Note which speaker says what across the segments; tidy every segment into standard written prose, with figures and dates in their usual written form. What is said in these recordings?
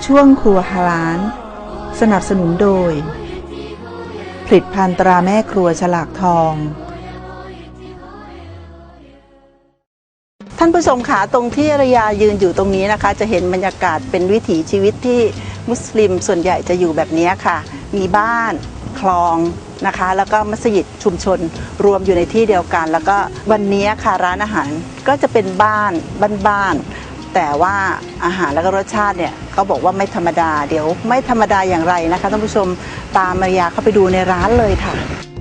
Speaker 1: ช่วงครัวฮาลาลสนับสนุนโดยผลิตภัณฑ์ตราแม่ครัวฉลากทองท่านผู้ชมขาตรงที่ระยายืนอยู่ตรงนี้นะคะจะเห็นบรรยากาศเป็นวิถีชีวิตที่มุสลิมส่วนใหญ่จะอยู่แบบนี้ค่ะมีบ้านคลองนะคะแล้วก็มัสยิดชุมชนรวมอยู่ในที่เดียวกันแล้วก็วันนี้ค่ะร้านอาหารก็จะเป็นบ้านแต่ว่าอาหารแล้วก็รสชาติเนี่ยเขาบอกว่าไม่ธรรมดาเดี๋ยวไม่ธรรมดาอย่างไรนะคะท่านผู้ชมตามมารยาเข้าไปดูในร้านเลยค่ะ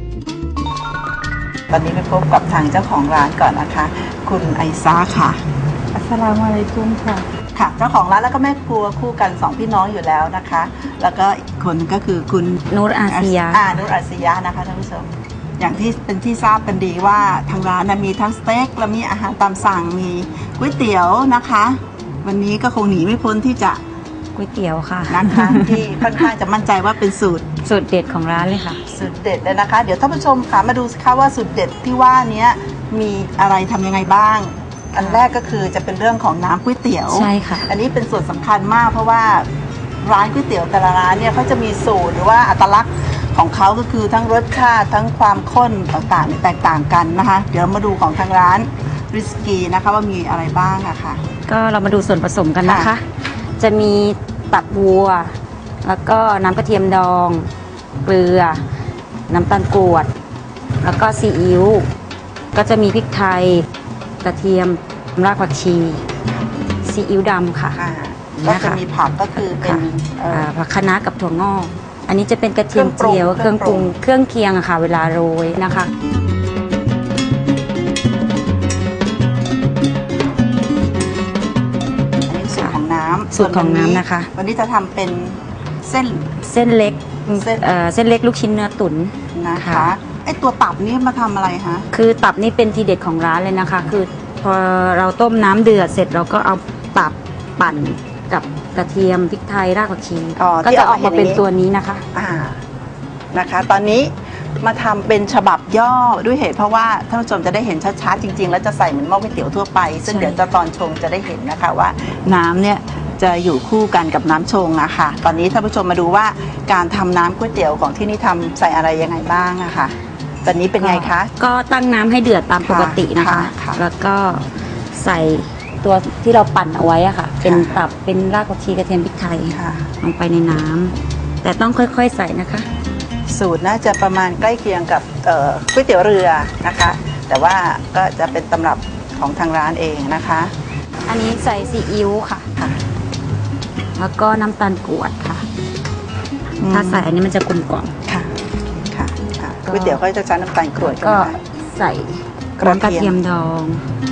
Speaker 1: ตอนนี้ไปพบกับทางเจ้าของร้านก่อนนะคะคุณไอซาค่ะ
Speaker 2: อัสสลามุอะลัยกุมค่ะ
Speaker 1: ค่ะเจ้าของร้านแล้วก็แม่ครัวคู่กัน2พี่น้องอยู่แล้วนะคะแล้วก็อีกคนก็คือคุณ
Speaker 2: นูรอาซียะ
Speaker 1: นูรอาซียะนะคะท่านผู้ชมอย่างที่เป็นที่ทราบกันดีว่าทางร้านมีทั้งสเต็กและมีอาหารตามสั่งมีก๋วยเตี๋ยวนะคะวันนี้ก็คงหนีไม่พ้นที่จะ
Speaker 2: ก๋วยเตี๋ยวค่ะ
Speaker 1: นะคะที่ค่อนข้างจะมั่นใจว่าเป็นสูตร
Speaker 2: เด็ดของร้านเลยค่ะ
Speaker 1: สูตรเด็ดเลยนะคะเดี๋ยวท่านผู้ชมค่ะมาดูสิคะว่าสูตรเด็ดที่ว่านี้มีอะไรทำยังไงบ้างอันแรกก็คือจะเป็นเรื่องของน้ำก๋วยเตี๋ยว
Speaker 2: ใช่ค่ะ
Speaker 1: อันนี้เป็นส่วนสำคัญมากเพราะว่าร้านก๋วยเตี๋ยวแต่ละร้านเนี่ยเขาจะมีสูตรหรือว่าอัตลักษณ์ของเขาก็คือทั้งรสชาติทั้งความข้นต่างๆแตกต่างกันนะคะเดี๋ยวมาดูของทางร้านริสกีนะคะว่ามีอะไรบ้างอะค่ะ
Speaker 2: ก็เรามาดูส่วนผสมกันนะคะจะมีตับวัวแล้วก็น้ำกระเทียมดองเกลือน้ำตาลกรวดแล้วก็ซีอิ๊วก็จะมีพริกไทยกระเทียมรากผักชีซีอิ๊วดำค่ะ
Speaker 1: ก็จะมีผักก็คือเป็น
Speaker 2: ผักคะน้ากับถั่วงอกอันนี้จะเป็นกระเทียมเจียวเครื่องปรุงเครื่องเคียงอะค่ะเวลาโรยนะคะสูตรของน้ำนะคะ
Speaker 1: วันนี้จะทำเป็นเส้น
Speaker 2: เล็กเส้นเล็กลูกชิ้นเนื้อตุ๋น
Speaker 1: นะคะไอตัวตับนี่มาทำอะไรคะ
Speaker 2: คือตับนี่เป็นทีเด็ดของร้านเลยนะคะคือพอเราต้มน้ำเดือดเสร็จเราก็เอาตับปั่นกับกระเทียมพริกไทยรากผักชีก็จะออกมาเป็นตัวนี้นะคะ
Speaker 1: นะคะตอนนี้มาทำเป็นฉบับย่อด้วยเหตุเพราะว่าท่านผู้ชมจะได้เห็นชัดๆจริงๆแล้วจะใส่เหมือนหม้อก๋วยเตี๋ยวทั่วไปซึ่งเดี๋ยวจะตอนชงจะได้เห็นนะคะว่าน้ำเนี่ยจะอยู่คู่กันกับน้ำชงอะค่ะตอนนี้ท่านผู้ชมมาดูว่าการทำน้ำก๋วยเตี๋ยวของที่นี่ทำใส่อะไรยังไงบ้างอะค่ะตอนนี้เป็นไงคะ
Speaker 2: ก็ตั้งน้ำให้เดือดตามปกตินะคะแล้วก็ใส่ตัวที่เราปั่นเอาไว้อะค่ะเป็นตับเป็นรากผักชีกระเทียมพริกไทยลงไปในน้ำแต่ต้องค่อยๆใส่นะคะ
Speaker 1: สูตรน่าจะประมาณใกล้เคียงกับก๋วยเตี๋ยวเรือนะคะแต่ว่าก็จะเป็นตำรับของทางร้านเองนะคะ
Speaker 2: อันนี้ใส่ซีอิ๊วค่ะแล้วก็น้ำตาลกรวดค่ะถ้าใส่อันนี้มันจะกลมกล่อม
Speaker 1: ค่ะก๋วยเตี๋ยวก็จะใช้น้ำตาลกรวด
Speaker 2: ก็ใส่กระเทียมดอง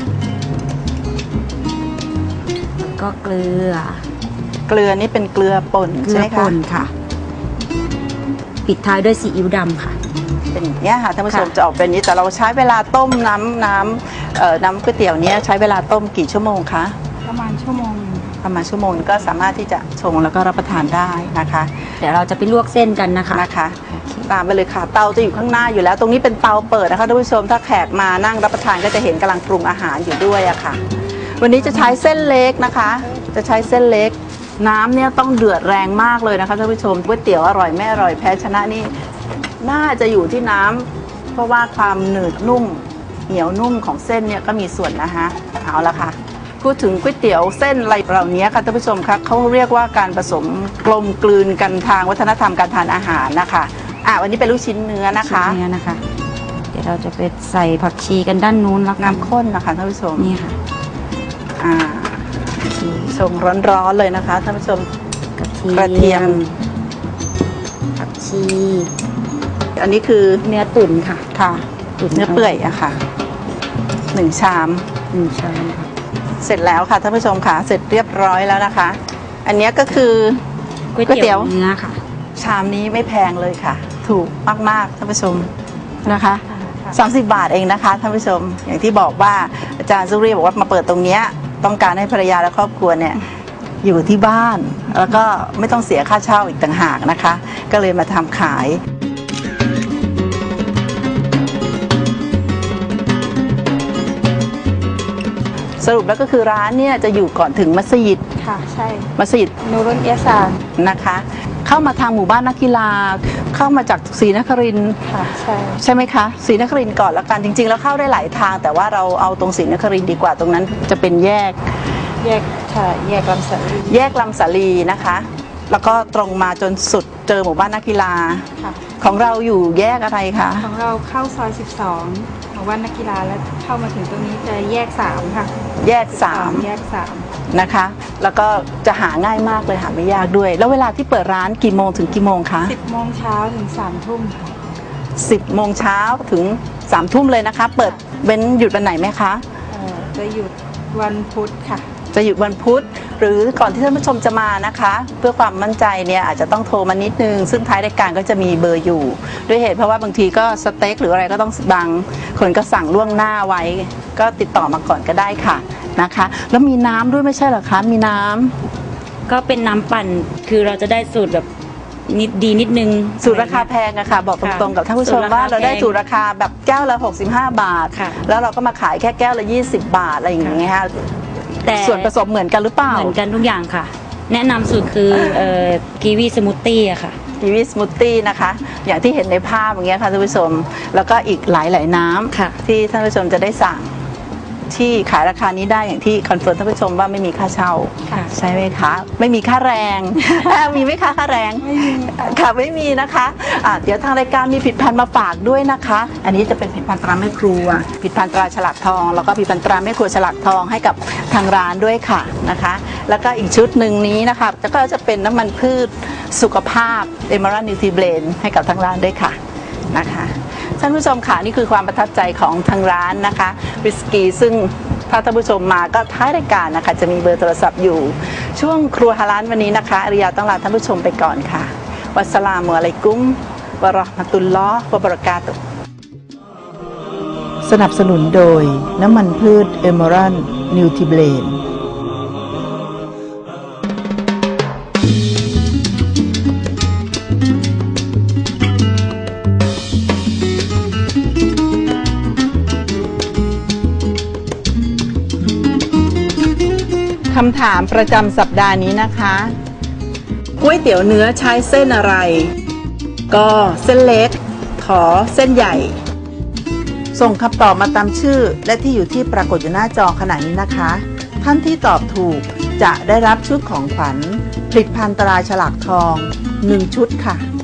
Speaker 2: ก็เกลือ
Speaker 1: นี่เป็นเกลือป่นใช่ไหมคะ
Speaker 2: ป่นค่ะปิดท้ายด้วยซีอิ๊วดำค่ะ
Speaker 1: เป็นอย่างนี้ค่ะท่านผู้ชมจะออกเป็นนี้แต่เราใช้เวลาต้มน้ำก๋วยเตี๋ยวนี้ใช้เวลาต้มกี่ชั่วโมงคะ
Speaker 2: ประมาณชั่วโมง
Speaker 1: ก็สามารถที่จะชงแล้วก็รับประทานได้นะคะ
Speaker 2: เดี๋ยวเราจะไปลวกเส้นกันนะคะ
Speaker 1: ตามไปเลยค่ะเตาจะอยู่ข้างหน้าอยู่แล้วตรงนี้เป็นเตาเปิดนะคะท่านผู้ชมถ้าแขกมานั่งรับประทานก็จะเห็นกำลังปรุงอาหารอยู่ด้วยอะค่ะวันนี้จะใช้เส้นเล็กนะคะจะใช้เส้นเล็กน้ำเนี่ยต้องเดือดแรงมากเลยนะคะท่านผู้ชมก๋วยเตี๋ยวอร่อยไม่อร่อยแพ้ชนะนี่น่าจะอยู่ที่น้ำเพราะว่าความหนืดนุ่มเหนียวนุ่มของเส้นเนี่ยก็มีส่วนนะคะเอาละค่ะพูดถึงก๋วยเตี๋ยวเส้นอะไรเหล่านี้ค่ะท่านผู้ชมคะเขาเรียกว่าการผสมกลมกลืนกันทางวัฒนธรรมการทานอาหารนะคะวันนี้เป็นลูกชิ้นเนื้อนะคะ
Speaker 2: เดี๋ยวเราจะไปใส่ผักชีกันด้านนู้นแล้ว
Speaker 1: น้ำข้นนะคะท่านผู้ชม
Speaker 2: นี่ค่ะ
Speaker 1: ชงร้อนๆเลยนะคะท่านผู้ชม
Speaker 2: กระเทียมผักชี
Speaker 1: อันนี้คือ
Speaker 2: เนื้อตุ๋นค่ะ
Speaker 1: เนื้อเปื่อยอะค่ะ1 ชาม
Speaker 2: ค่ะ
Speaker 1: เสร็จแล้วค่ะท่านผู้ชมค่ะเสร็จเรียบร้อยแล้วนะคะอันนี้ก็คือ
Speaker 2: ก๋วยเตี๋ยวเนื้อค่ะ
Speaker 1: ชามนี้ไม่แพงเลยค่ะถูกมากๆท่านผู้ชมนะคะ30 บาทเองนะคะท่านผู้ชมอย่างที่บอกว่าอาจารย์ซุรีบอกว่ามาเปิดตรงนี้ต้องการให้ภรรยาและครอบครัวเนี่ยอยู่ที่บ้านแล้วก็ไม่ต้องเสียค่าเช่าอีกต่างหากนะคะก็เลยมาทำขายสรุปแล้วก็คือร้านเนี่ยจะอยู่ก่อนถึงมัสยิด
Speaker 3: ค่ะใช่
Speaker 1: มัสยิด
Speaker 3: นูรุนเอียซาน
Speaker 1: นะคะ เข้ามาทางหมู่บ้านนักกีฬา เข้ามาจากศรีนครินทร์
Speaker 3: ค่ะใช่
Speaker 1: ใช่ไหมคะศรีนครินทร์ก่อนแล้วกันจริง ๆ แล้วเข้าได้หลายทาง แต่ว่าเราเอาตรงศรีนครินทร์ดีกว่าตรงนั้นจะเป็นแยก
Speaker 3: แยกค่ะแยกลำสาลี
Speaker 1: แยกลำสาลีนะคะ แล้วก็ตรงมาจนสุดเจอหมู่บ้านนักกีฬา
Speaker 3: ค่ะ
Speaker 1: ของเราอยู่แยกอะไรคะ
Speaker 3: ของเราเข้าซอย12ของวันนักกีฬาแล้วเข้ามาถึงตรงนี้จะแยก3ค่ะ
Speaker 1: แยก
Speaker 3: แยก
Speaker 1: 3นะคะ แล้วก็จะหาง่ายมากเลยหาไม่ยากด้วย แล้วเวลาที่เปิดร้านกี่โมงถึงกี่โมงคะ
Speaker 3: 3 10 โมงเช้าถึง3 ทุ่มค่ะ
Speaker 1: 10 โมงเช้าถึง3 ทุ่มเลยนะคะ เปิดเว้นหยุดวันไหนไหมคะ
Speaker 3: จะหยุดวันพุธค่ะ
Speaker 1: จะหยุดวันพุธหรือก่อนที่ท่านผู้ชมจะมานะคะ เพื่อความมั่นใจเนี่ยอาจจะต้องโทรมานิดนึง ซึ่งท้ายรายการก็จะมีเบอร์อยู่ ด้วยเหตุเพราะว่าบางทีก็สเต็กหรืออะไรก็ต้องบางคนก็สั่งล่วงหน้าไว้ ก็ติดต่อมาก่อนก็ได้ค่ะนะคะ แล้วมีน้ำด้วยไม่ใช่เหรอคะมีน้ำ
Speaker 2: ก็เป็นน้ำปั่นคือเราจะได้สูตรแบบนิดนึง
Speaker 1: สูตรราคาแพงอะค่ะ บอกตรงๆกับท่านผู้ชมว่าเราได้สูตรราคาแบบแก้วละ65 บาท
Speaker 2: ค่ะ
Speaker 1: แล้วเราก็มาขายแค่แก้วละ20 บาทอะไรอย่างเงี้ยค่ะ
Speaker 2: แต่
Speaker 1: ส่วนผสมเหมือนกันหรือเปล่า
Speaker 2: เหมือนกันทุกอย่างค่ะ แนะนำสูตรคือกีวีสมูทตี้อะค่ะ
Speaker 1: กีวีสมูทตี้นะคะ อย่างที่เห็นในภาพอย่างเงี้ยค่ะท่านผู้ชม แล้วก็อีกหลายน้
Speaker 2: ค่ะ
Speaker 1: ำที่ท่านผู้ชมจะได้สั่งที่ขายราคานี้ได้อย่างที่คอนเฟิร์มท่านผู้ชมว่าไม่มีค่าเช่า
Speaker 2: ค่ะ
Speaker 1: ใช่ไหมคะ ไม่มีค่าแรง มีไหมคะค่าแรง
Speaker 3: ไม่มีค่ะ
Speaker 1: ค่ะไม่มีนะคะเดี๋ยวทางรายการมีผลิตภัณฑ์มาฝากด้วยนะคะ อันนี้จะเป็นผลิตภัณฑ์ตราแม่ครัวผลิตภัณฑ์ตราฉลากทอง แล้วก็ผลิตภัณฑ์ตราแม่ครัวฉลากทองให้กับทางร้านด้วยค่ะนะคะ แล้วก็อีกชุดหนึ่งนี้นะคะก็จะเป็นน้ำมันพืชสุขภาพ Emerald Nutri Blend ให้กับทางร้านด้วยค่ะนะคะท่านผู้ชมค่ะนี่คือความประทับใจของทางร้านนะคะวิสกี้ซึ่งถ้าท่านผู้ชมมาก็ท้ายรายการนะคะจะมีเบอร์โทรศัพท์อยู่ช่วงครัวฮาลาลวันนี้นะคะอริยาต้องลาท่านผู้ชมไปก่อนค่ะวัสสลามุอะลัยกุมวะเราะห์มะตุลลอฮ์วะบะเราะกาตุฮ์สนับสนุนโดยน้ำมันพืชเอเมอรัลนิวทริเบลนคำถามประจำสัปดาห์นี้นะคะก๋วยเตี๋ยวเนื้อใช้เส้นอะไร ก็เส้นเล็กขอเส้นใหญ่ ส่งคำตอบมาตามชื่อและที่อยู่ที่ปรากฏอยู่หน้าจอขณะนี้นะคะ ท่านที่ตอบถูกจะได้รับชุดของขวัญผลิตภัณฑ์ตราฉลากทอง1 ชุดค่ะ